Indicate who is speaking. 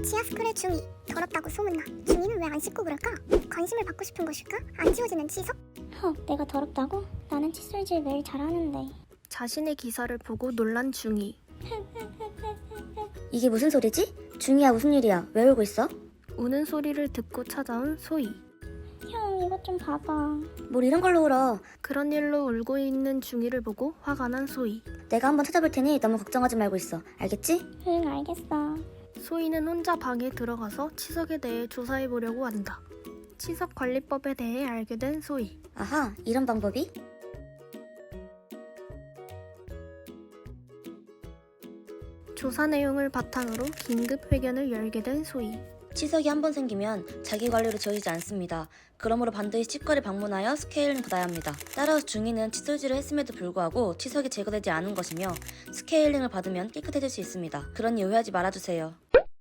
Speaker 1: 치아 스크래 중이 더럽다고 소문나. 중이는 왜 안 씻고 그럴까? 관심을 받고 싶은 것일까? 안 지워지는 치석?
Speaker 2: 내가 더럽다고? 나는 칫솔질 매일 잘하는데.
Speaker 3: 자신의 기사를 보고 놀란 중이.
Speaker 4: 이게 무슨 소리지? 중이야, 무슨 일이야? 왜 울고 있어?
Speaker 3: 우는 소리를 듣고 찾아온 소희.
Speaker 2: 형, 이것 좀 봐봐.
Speaker 4: 뭘 이런 걸로 울어?
Speaker 3: 그런 일로 울고 있는 중이를 보고 화가 난 소희.
Speaker 4: 내가 한번 찾아볼 테니 너무 걱정하지 말고 있어. 알겠지?
Speaker 2: 응, 알겠어.
Speaker 3: 소희는 혼자 방에 들어가서 치석에 대해 조사해보려고 한다. 치석 관리법에 대해 알게 된 소희.
Speaker 4: 아하, 이런 방법이?
Speaker 3: 조사 내용을 바탕으로 긴급 회견을 열게 된 소희.
Speaker 4: 치석이 한 번 생기면 자기 관리로 지워지지 않습니다. 그러므로 반드시 치과를 방문하여 스케일링 받아야 합니다. 따라서 중이는 칫솔질을 했음에도 불구하고 치석이 제거되지 않은 것이며 스케일링을 받으면 깨끗해질 수 있습니다. 그러니 오해하지 말아주세요.